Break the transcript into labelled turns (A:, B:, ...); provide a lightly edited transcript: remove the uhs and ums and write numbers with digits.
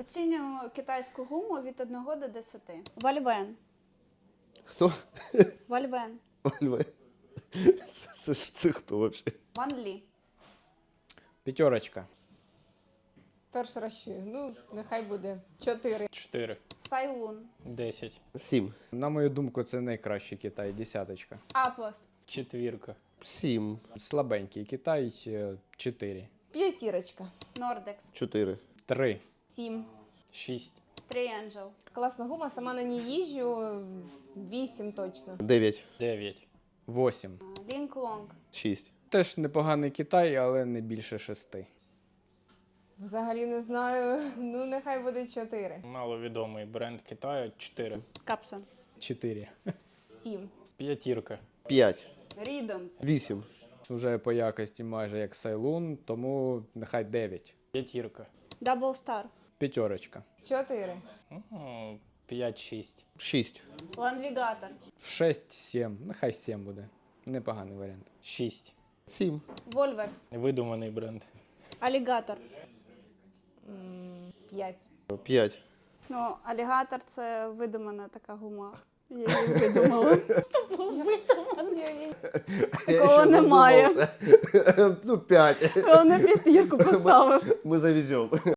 A: Оцінюємо китайську гуму від 1 до 10. Вальвен.
B: Хто?
A: Вальвен.
B: Вальве. Це хто взагалі?
A: Ван Лі.
C: 5.
D: Перший раз чую. Ну, нехай буде 4.
C: 4.
A: Сайлун.
C: 10.
B: 7.
C: На мою думку, це найкращий Китай. 10.
A: Апос.
C: 4.
B: 7.
C: Слабенький Китай. 4.
D: 5.
A: Нордекс.
B: 4.
C: 3.
D: 7.
C: 6.
A: Тріенджел.
D: Класна гума, сама на ній їжджу. 8 точно.
B: 9.
C: 9. 8.
A: Лінк Лонг.
B: 6.
C: Теж непоганий Китай, але не більше 6.
D: Взагалі не знаю. Ну, нехай буде 4.
C: Маловідомий бренд Китаю. 4.
A: Капсон.
C: 4.
D: 7.
C: 5.
B: 5.
A: Рідонс.
B: 8.
C: Уже по якості майже як Сайлун, тому нехай 9. 5.
A: Дабл Стар.
C: 5.
D: 4.
C: 5-6.
B: 6.
A: Ланвігатор.
C: 6-7. Нехай 7 буде. Непоганий варіант. 6.
B: 7.
A: Вольвекс.
C: Видуманий бренд.
A: Алігатор.
D: 5.
B: 5.
A: Ну, алігатор – це видумана така гума. Я її видумала. Такого немає.
B: Ну, 5.
A: Он на 5 поставив.
B: Ми завеземо.